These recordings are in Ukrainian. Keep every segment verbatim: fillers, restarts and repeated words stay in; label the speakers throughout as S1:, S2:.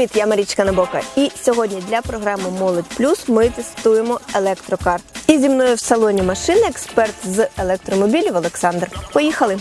S1: Привіт, я Марічка Набока. І сьогодні для програми «Молодь Плюс» ми тестуємо електрокар. І зі мною в салоні машини експерт з електромобілів Олександр. Поїхали!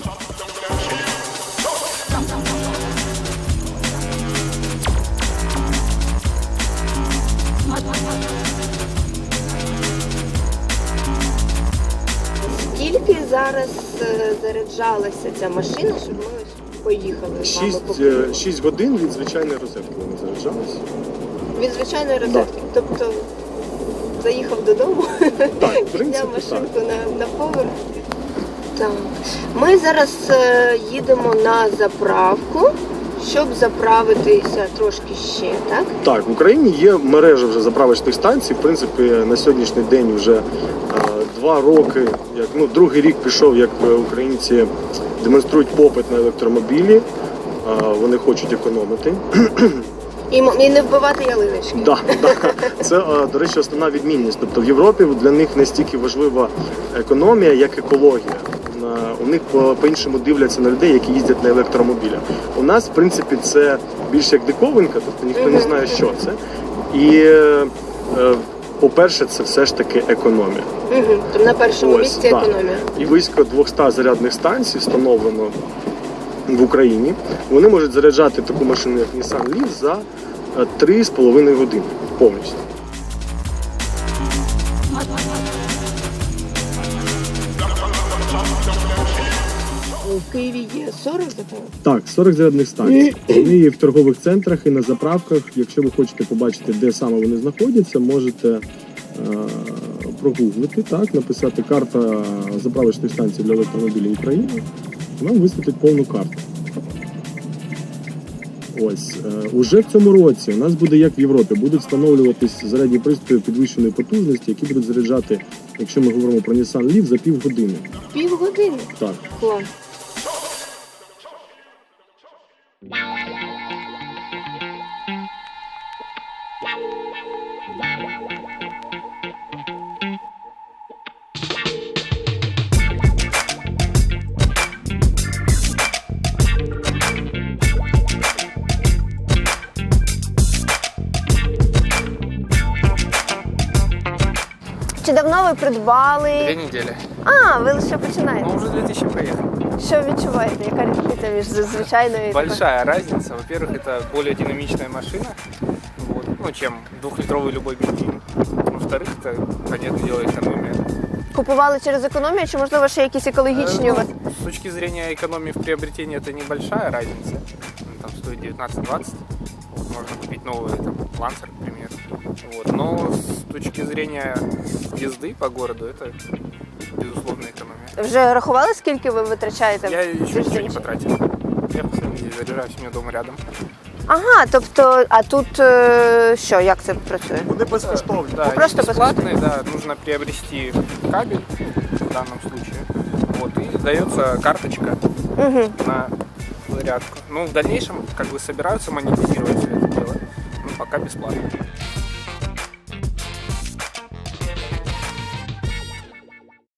S1: Скільки зараз заряджалася ця машина, щоб ми ось поїхали з вами по кругу?
S2: шість годин від звичайної розетки вона заряджалася.
S1: Від звичайної розетки? Так. Тобто заїхав додому,
S2: так,
S1: підняв машинку на, на поверх. Так. Ми зараз е, їдемо на заправку, щоб заправитися трошки ще, так?
S2: Так, в Україні є мережа вже заправочних станцій. В принципі, на сьогоднішній день вже е, два роки, як, ну, другий рік пішов, як українці демонструють попит на електромобілі. Е, вони хочуть економити.
S1: І, і не вбивати ялиночки.
S2: Да, да. Це, до речі, основна відмінність. Тобто в Європі для них настільки важлива економія, як екологія. У них по-іншому дивляться на людей, які їздять на електромобілях. У нас, в принципі, це більше як диковинка, тобто ніхто не знає, що це. І, по-перше, це все ж таки економія.
S1: Угу. Тобто на першому
S2: Ось,
S1: місці
S2: да.
S1: економія.
S2: І близько двісті зарядних станцій встановлено в Україні. Вони можуть заряджати таку машину, як Nissan Leaf, за три з половиною години повністю.
S1: У Києві є сорок заправок?
S2: Так, сорок зарядних станцій. Вони є в торгових центрах і на заправках. Якщо ви хочете побачити, де саме вони знаходяться, можете е- прогуглити, так, написати «Карта заправочних станцій для електромобілів України». Нам висвітить повну карту. Ось, е, уже в цьому році у нас буде, як в Європі, будуть встановлюватись зарядні пристрої підвищеної потужності, які будуть заряджати, якщо ми говоримо про Nissan Leaf, за півгодини.
S1: Півгодини?
S2: Так.
S1: Клас. Чи давно ви придбали?
S3: Две недели.
S1: А, ви лише починаєте.
S3: Ну, уже две тысячи проехал.
S1: Що відчуваєте? Яка різниця між звичайною і
S3: Большая разница. Во-первых, это более динамичная машина, вот, ну, чем двухлитровый любой бензин. Во-вторых, это, понятное дело, экономия.
S1: Купували через економію, чи можливо ще якісь екологічні у вас?
S3: Ну, с точки зрения экономии в приобретении это небольшая разница. Ну, там стоит девятнадцать-двадцать. Вот, можно купить новый там, Lancer, к примеру. Вот. Но с точки зрения езды по городу это безусловно экономия.
S1: Вже рахували, скільки ви витрачаєте?
S3: Я еще ничего
S1: тиждень?
S3: не потратил. Я постоянно здесь заряжаюсь, у меня дома рядом.
S1: Ага, тобто, а тут е, що, як це працює?
S2: Вони безкоштовні.
S3: Да,
S1: Ну,
S3: они
S1: просто
S3: бесплатные, да, нужно приобрести кабель в данном случае. Вот, и дается карточка
S1: Угу.
S3: на зарядку. Ну, в дальнейшем, как бы, собираются монетизировать все это дело, но пока бесплатно.